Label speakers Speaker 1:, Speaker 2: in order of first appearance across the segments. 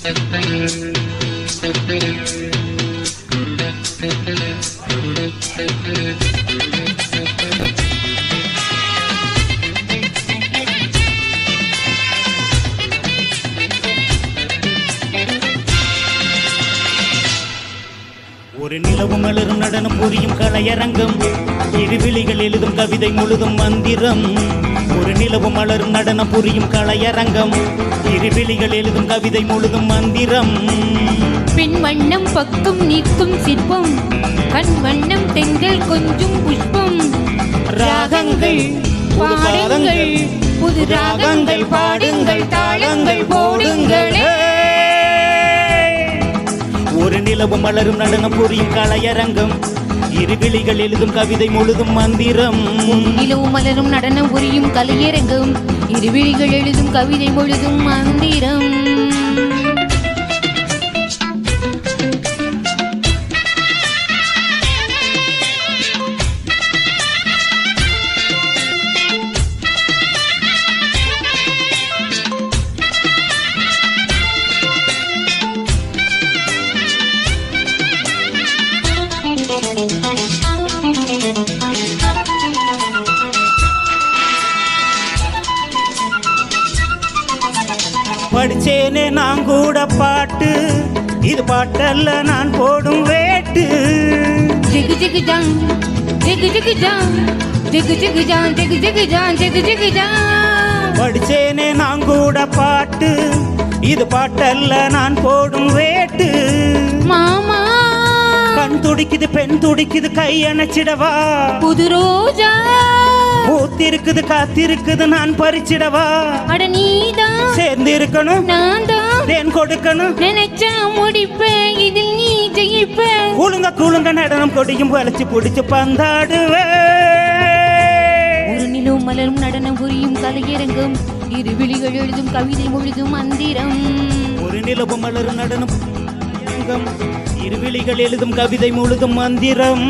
Speaker 1: ஒரு நிலவு மலரும் நடனம் புரியும் கலையரங்கம், இருவிழிகள் எழுதும் கவிதை முழுதும் மந்திரம். ஒரு நிலவு மலரும் நடனம் புரியும் கலையரங்கம், இருவிழிகள் எழுதும் கவிதை முழுதும் மந்திரம்.
Speaker 2: பெண் வண்ணம் பக்கம் நிற்கும் சிற்பம், கண் வண்ணம் தெங்கள் கொஞ்சம் புஷ்பம். ராகங்கள் பாடுங்கள், புது ராகங்கள் பாடுங்கள், தாளங்கள் போடுங்களே.
Speaker 1: ஒரு நிலவு மலரும் நடனம் புரியும் கலையரங்கம், இருவிழிகள் எழுதும் கவிதை முழுதும் மந்திரம்.
Speaker 2: நிலவு மலரும் நடனம் புரியும் கலையரங்கம், இருவிழிகள் எழுதும் கவிதை முழுதும் மந்திரம்.
Speaker 1: படிச்சேனே நான் கூட பாட்டு, இது பாட்டல்ல நான் போடும் வேட்டு.
Speaker 2: ஜிகு ஜிகு ஜான் ஜிகு ஜிகு ஜான் ஜிகு ஜிகு ஜான் ஜிகு ஜிகு ஜான் ஜிகு ஜிகு ஜான்.
Speaker 1: படிச்சேனே நான் கூட பாட்டு, இது பாட்டல்ல நான் போடும் வேட்டு.
Speaker 2: மாமா
Speaker 1: கண் துடிக்குது பெண் துடிக்குது, கை அணைச்சிடவா.
Speaker 2: புது ரோஜா
Speaker 1: பூத்திருக்குது காத்திருக்குது, நான் பறிச்சிடவா.
Speaker 2: அட நீதான்
Speaker 1: சேர்ந்து இருக்கணும், நான்
Speaker 2: தான்
Speaker 1: தேன் கொடுக்கணும்.
Speaker 2: நினைச்சா முடிப்பேன், இதில் நீ ஜெயிப்ப.
Speaker 1: குழுங்க குழுங்க நடனம் கொடியும் வளைச்சு பிடிச்சு பந்தாடுவே.
Speaker 2: ஒரு நிலவு மலரும் நடனம் புரியும் கலையரங்கம், இருவிழிகள் எழுதும் கவிதை முழுதும் மந்திரம்.
Speaker 1: ஒரு நிலவு மலரும் நடனம் கலையரங்கம், இருவிழிகள் எழுதும் கவிதை முழுதும் மந்திரம்.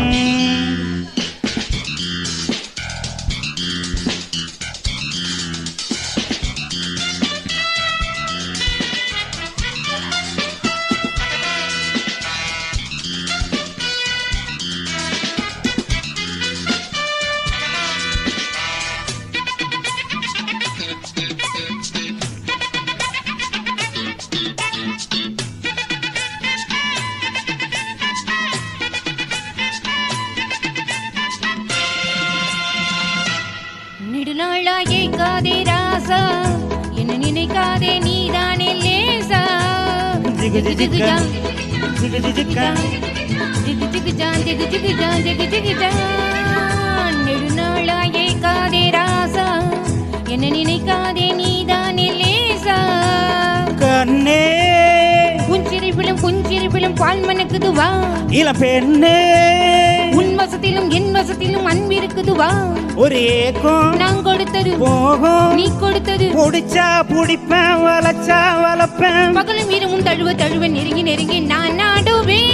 Speaker 2: நெடுநாளாயே காதே ராசா, என்ன நினைக்காதே நீதானே லேசா.
Speaker 1: ஜிகு ஜிகு ஜான் ஜிகு ஜிகு ஜான்
Speaker 2: ஜிகு ஜிகு ஜான் ஜிகு ஜிகு ஜான் ஜிகு ஜிகு ஜான். நெடுநாளாயே காதே ராசா, என்ன நினைக்காதே நீதானே லேசா.
Speaker 1: கண்ணே
Speaker 2: புஞ்சிரிப்பிலும் பால் மணக்குது வா.
Speaker 1: இள பெண்ணே
Speaker 2: உன் வசத்திலும் என் வசத்திலும் அன்பிருக்குது வா.
Speaker 1: ஒரு ஏக்கம்
Speaker 2: நான் கொடுத்தது
Speaker 1: போகும்,
Speaker 2: நீ கொடுத்தது.
Speaker 1: புடிச்சா புடிப்பேன், வளைச்சா வளப்பேன்.
Speaker 2: பகலும் இரவும் தழுவ தழுவ நெருங்கி நெருங்கி நான் நாடுவேன்.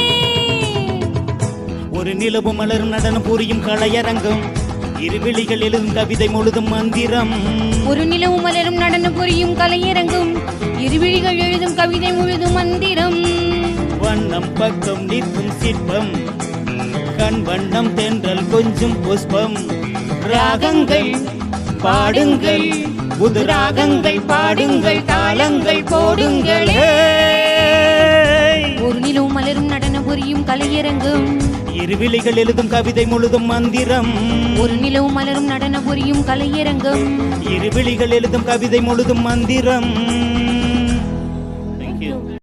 Speaker 1: ஒரு நிலவு மலரும் நடனம் புரியும் கலையரங்கம், இருவிழிகள் எழுதும் கவிதை முழுதும் மந்திரம்.
Speaker 2: ஒரு நிலவு மலரும் நடனம் புரியும் கலையரங்கம், இருவிழிகள் எழுதும் கவிதை முழுதும் மந்திரம்.
Speaker 1: வண்ணம் பக்கம் நிற்கும் சிற்பம், கண் வண்ணம் தென்றல் கொஞ்சம் புஷ்பம். ராகங்கள் பாடுங்கள், புது ராகங்கள் பாடுங்கள், தாளங்கள் போடுங்களே.
Speaker 2: ஒரு நிலவு மலரும் நடனம் புரியும் கலையரங்கம்,
Speaker 1: இருவிழிகள் எழுதும் கவிதை முழுதும் மந்திரம்.
Speaker 2: ஒரு நிலவு மலரும் நடனம் புரியும் கலையரங்கம்,
Speaker 1: இருவிழிகள் எழுதும் கவிதை முழுதும் மந்திரம்.